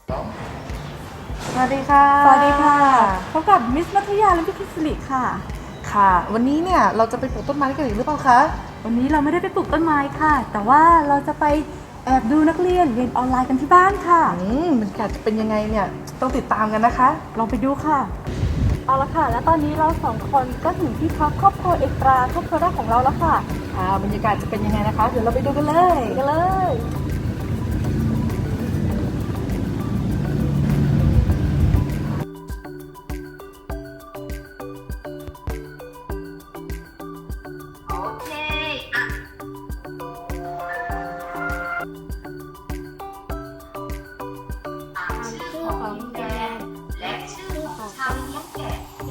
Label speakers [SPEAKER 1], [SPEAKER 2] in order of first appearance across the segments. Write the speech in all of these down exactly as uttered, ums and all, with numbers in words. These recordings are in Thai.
[SPEAKER 1] สวัสดีค่ะ
[SPEAKER 2] สวัสดีค่ะพบกับมิสมัธยาและพี่คิสิริค่ะ
[SPEAKER 1] ค่ะวันนี้เนี่ยเราจะไปปลูกต้นไม้กันอีกหรือเปล่าคะ
[SPEAKER 2] วันนี้เราไม่ได้ไปปลูกต้นไม้ค่ะแต่ว่าเราจะไปแอบดูนักเรียนเรียนออนไลน์กันที่บ้านค่ะ
[SPEAKER 1] อืมบรรยากาศจะเป็นยังไงเนี่ยต้องติดตามกันนะคะ
[SPEAKER 2] ลองไปดูค่ะเอาละค่ะและตอนนี้เราสองคนก็ถึงที่พักครอบครัวเอกตราครอบครัวแรกของเราแล้วค่ะ
[SPEAKER 1] อ่าบรรยากาศจะเป็นยังไงนะคะเดี๋ยวเราไปดูกันเลย
[SPEAKER 2] ไปกันเลย
[SPEAKER 3] ชื่อของแดนและชื่อของชาวเลี้ยงแกะ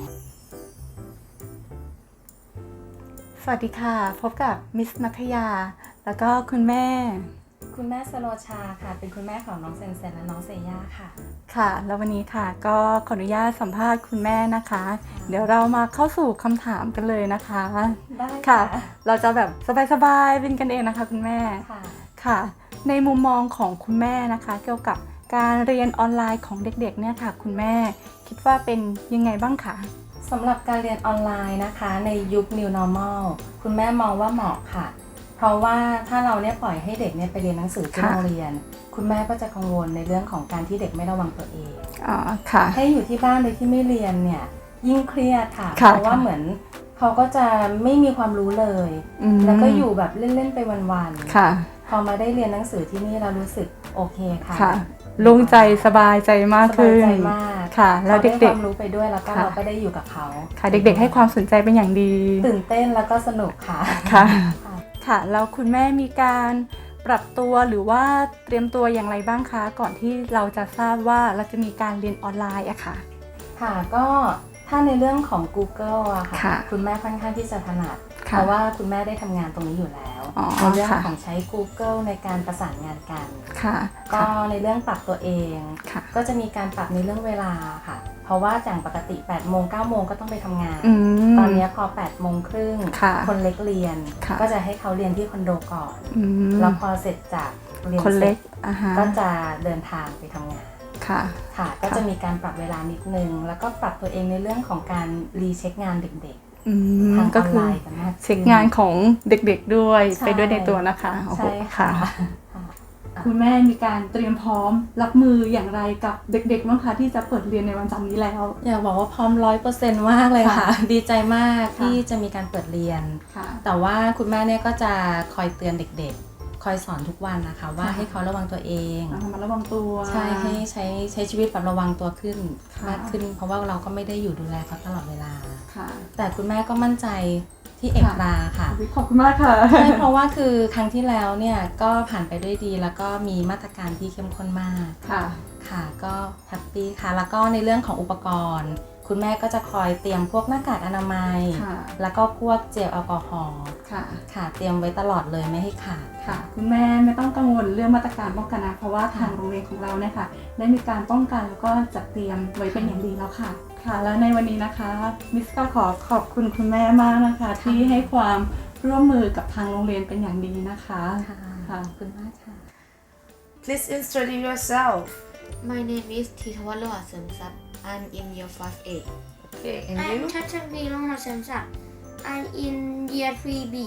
[SPEAKER 2] สวัสดีค่ะพบกับมิสมัธยาแล้วก็คุณแม่
[SPEAKER 4] คุณแม่สโลชาค่ะเป็นคุณแม่ของน้องเซนเซนและน้องเซย่าค่ะ
[SPEAKER 2] ค่ะแล้ววันนี้ค่ะก็ขออนุญาตสัมภาษณ์คุณแม่นะคะ เดี๋ยวเรามาเข้าสู่คำถามกันเลยนะคะ
[SPEAKER 4] ได้
[SPEAKER 2] ค่ะ เราจะแบบสบายๆเป็นกันเองนะคะคุณแม่
[SPEAKER 4] ค่ะ
[SPEAKER 2] ค่ะ ในมุมมองของคุณแม่นะคะ เกี่ยวกับการเรียนออนไลน์ของเด็กๆเนี่ยค่ะคุณแม่คิดว่าเป็นยังไงบ้างคะ
[SPEAKER 4] สำหรับการเรียนออนไลน์นะคะในยุค New Normal คุณแม่มองว่าเหมาะค่ะ เพราะว่าถ้าเราเนี่ยปล่อยให้เด็กเนี่ยไปเรียนหนังสือที่
[SPEAKER 2] ค่ะ
[SPEAKER 4] โรงเรียน คุณแม่ก็จะกังวลในเรื่องของการที่เด็กไม่ระวังตัวเอง
[SPEAKER 2] อ๋อค่ะ
[SPEAKER 4] ให้อยู่ที่บ้านโดยที่ไม่เรียนเนี่ยยิ่งเครียดค่ะ
[SPEAKER 2] ค่ะ
[SPEAKER 4] เพราะว่าเหมือนเขาก็จะไม่มีความรู้เลย
[SPEAKER 2] อืม
[SPEAKER 4] แล้วก็อยู่แบบเล่นๆไปวันๆ
[SPEAKER 2] ค่ะ
[SPEAKER 4] พอมาได้เรียนหนังสือที่นี่เรารู้สึกโอเคค่ะ
[SPEAKER 2] ค่ะโล่งใจสบายใจมาก
[SPEAKER 4] สบา
[SPEAKER 2] ขึ้
[SPEAKER 4] ย
[SPEAKER 2] น
[SPEAKER 4] ใจมาก
[SPEAKER 2] ค่ะ แล้ว
[SPEAKER 4] เขาได้ค
[SPEAKER 2] เด็ก
[SPEAKER 4] วามรู้ไปด้วยแล้วก็
[SPEAKER 2] ค่ะ
[SPEAKER 4] เราก็ได้อยู่กับเขา
[SPEAKER 2] ๆ ค่ะเด็กๆ ให้ความสนใจเป็นอย่างดี
[SPEAKER 4] ตื่นเต้นแล้วก็สนุกค่ะ
[SPEAKER 2] ค่ะ
[SPEAKER 4] ค่ะ
[SPEAKER 2] ค่ะแล้วคุณแม่มีการปรับตัวหรือว่าเตรียมตัวอย่างไรบ้างคะก่อนที่เราจะทราบว่าเราจะมีการเรียนออนไลน์อะค่ะ
[SPEAKER 4] ค่ะก็ถ้าในเรื่องของ Google อะค่ะ
[SPEAKER 2] ค่ะ
[SPEAKER 4] คุณแม่ค่อนข้างที่จะถนัด
[SPEAKER 2] ค่ะ
[SPEAKER 4] เพราะว่าคุณแม่ได้ทำงานตรงนี้อยู่แล้ว
[SPEAKER 2] อ๋อ
[SPEAKER 4] ในเรื่อง
[SPEAKER 2] ค่ะ
[SPEAKER 4] ของใช้ Google ในการประสานงานกัน
[SPEAKER 2] ค่ะ
[SPEAKER 4] ก็
[SPEAKER 2] ค่ะ
[SPEAKER 4] ในเรื่องปรับตัวเอง
[SPEAKER 2] ค่ะ
[SPEAKER 4] ก็จะมีการปรับในเรื่องเวลาค่ะ เพราะว่าจากปกติแปดโมงเก้าโมงก็ต้องไปทำงาน
[SPEAKER 2] อืม
[SPEAKER 4] ตอนนี้พอแปดโมงครึ่ง
[SPEAKER 2] ค่ะ
[SPEAKER 4] คนเล็กเรียน
[SPEAKER 2] ค่ะ
[SPEAKER 4] ก็จะให้เขาเรียนที่คอนโดก่อน
[SPEAKER 2] อืม
[SPEAKER 4] แล้วพอเสร็จจากเรียน
[SPEAKER 2] คน
[SPEAKER 4] เส
[SPEAKER 2] เล็
[SPEAKER 4] ร็
[SPEAKER 2] ก
[SPEAKER 4] จ
[SPEAKER 2] อ่ะฮะ
[SPEAKER 4] ก็จะเดินทางไปทำงาน
[SPEAKER 2] ค่ะ
[SPEAKER 4] ค่ะ ก็จะมีการปรับเวลานิดนึง แล้วก็ปรับตัวเองในเรื่องของการรีเช็คงานเด็ก
[SPEAKER 2] อื
[SPEAKER 4] ๆ
[SPEAKER 2] ม
[SPEAKER 4] ทางอ
[SPEAKER 2] ก็
[SPEAKER 4] อน
[SPEAKER 2] คื
[SPEAKER 4] ไล
[SPEAKER 2] อ
[SPEAKER 4] น์กันมากขึ้น
[SPEAKER 2] เช็คงานของเด็กๆด้วย
[SPEAKER 4] ใช่
[SPEAKER 2] ไปด้วยในตัวนะคะโอ้โห
[SPEAKER 4] ใช่ค่ะ
[SPEAKER 2] ค่ะ คุณแม่มีการเตรียมพร้อมรับมืออย่างไรกับเด็กๆบ้างคะที่จะเปิดเรียนในวันจันทร์นี้แล้ว
[SPEAKER 4] อยากบอกว่าพร้อมร้อยเปอร์เซ็นต์มากเลยค่ะ
[SPEAKER 2] ค่ะ
[SPEAKER 4] ดีใจมาก
[SPEAKER 2] ค่ะ
[SPEAKER 4] ที่จะมีการเปิดเรียน
[SPEAKER 2] ค่ะ
[SPEAKER 4] แต่ว่าคุณแม่เนี่ยก็จะคอยเตือนเด็กๆ คอยสอนทุกวันนะคะ ว่า
[SPEAKER 2] ค่ะ
[SPEAKER 4] ให้เขาระวังตัวเอง
[SPEAKER 2] ระมัดระวังตัว
[SPEAKER 4] ใช่ให้ใช้ใช้ชีวิตแบบระวังตัวขึ้น
[SPEAKER 2] ค่ะ
[SPEAKER 4] มากขึ้น เพราะว่าเราก็ไม่ได้อยู่ดูแลเขาตลอดเวลา
[SPEAKER 2] ค่ะ
[SPEAKER 4] แต่คุณแม่ก็มั่นใจที่เอกราค่ะ
[SPEAKER 2] ขอบคุณมากค่ะ
[SPEAKER 4] ใช่เพราะว่าคือครั้งที่แล้วเนี่ยก็ผ่านไปด้วยดี แล้วก็มีมาตรการที่เข้มข้นมาก
[SPEAKER 2] ค่ะ
[SPEAKER 4] ค่ะก็แฮปปี้ค่ะ แล้วก็ในเรื่องของอุปกรณ์ คุณแม่ก็จะคอยเตรียมพวกหน้ากากอนามัย
[SPEAKER 2] ค่ะ
[SPEAKER 4] แล้วก็พวกเจลแอลกอฮอล์
[SPEAKER 2] ค่ะ
[SPEAKER 4] ค่ะ เตรียมไว้ตลอดเลยไม่ให้ขาด
[SPEAKER 2] ค่ะ คุณแม่ไม่ต้องกังวลเรื่องมาตรการป้องกันนะ เพราะว่าทางโรงเรียนของเราเนี่ยค่ะ ได้มีการป้องกันแล้วก็จัดเตรียมไว้เป็นอย่างดีแล้วค่ะ ค่ะ แล้วในวันนี้นะคะ มิสก็ขอขอบคุณคุณแม่มากนะคะ ที่ให้ความร่วมมือกับทางโรงเรียนเป็นอย่างดีนะคะ
[SPEAKER 4] ค่ะ
[SPEAKER 2] ค่ะ
[SPEAKER 4] ขอบคุณมากค่ะ
[SPEAKER 1] Please introduce yourself
[SPEAKER 3] My name is Titawaloa Semsap. I'm in year five A.
[SPEAKER 1] okay and
[SPEAKER 3] I'm
[SPEAKER 1] you
[SPEAKER 3] Chachavi Longhao Semsap. I'm in year three B.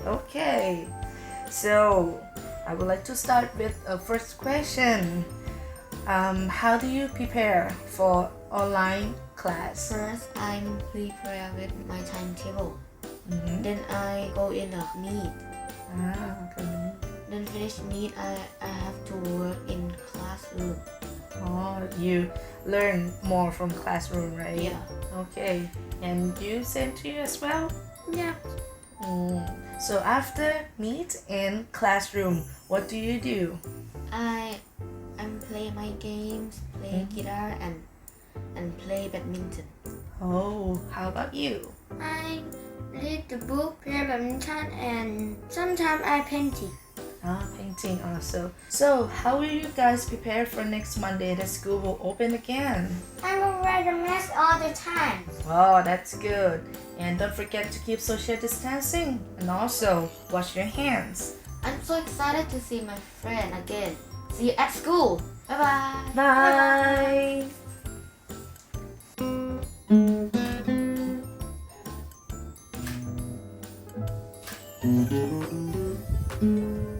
[SPEAKER 1] okay so I would like to start with a first question um, how do you prepare for online class
[SPEAKER 3] First, I'm prepare with my timetable.
[SPEAKER 1] Mhm.
[SPEAKER 3] Then I go in a meet.
[SPEAKER 1] ah, okay.
[SPEAKER 3] Then finish meet, I, I have to work in classroom.
[SPEAKER 1] Oh, you learn more from classroom, right?
[SPEAKER 3] Yeah.
[SPEAKER 1] Okay. And you same to you as well?
[SPEAKER 3] Yeah.
[SPEAKER 1] Mm. So after meet in classroom, what do you do?
[SPEAKER 3] I I play my games, play
[SPEAKER 1] Mhm.
[SPEAKER 3] guitar and and play badminton.
[SPEAKER 1] Oh, how about you?
[SPEAKER 3] I read the book, play badminton, and sometimes I painting.
[SPEAKER 1] Ah, painting also. So, how will you guys prepare for next Monday that school will open again?
[SPEAKER 3] I will wear the mask all the time.
[SPEAKER 1] Oh, that's good. And don't forget to keep social distancing and also wash your hands.
[SPEAKER 3] I'm so excited to see my friend again See you at school. Bye bye.
[SPEAKER 1] Bye.
[SPEAKER 3] Bye.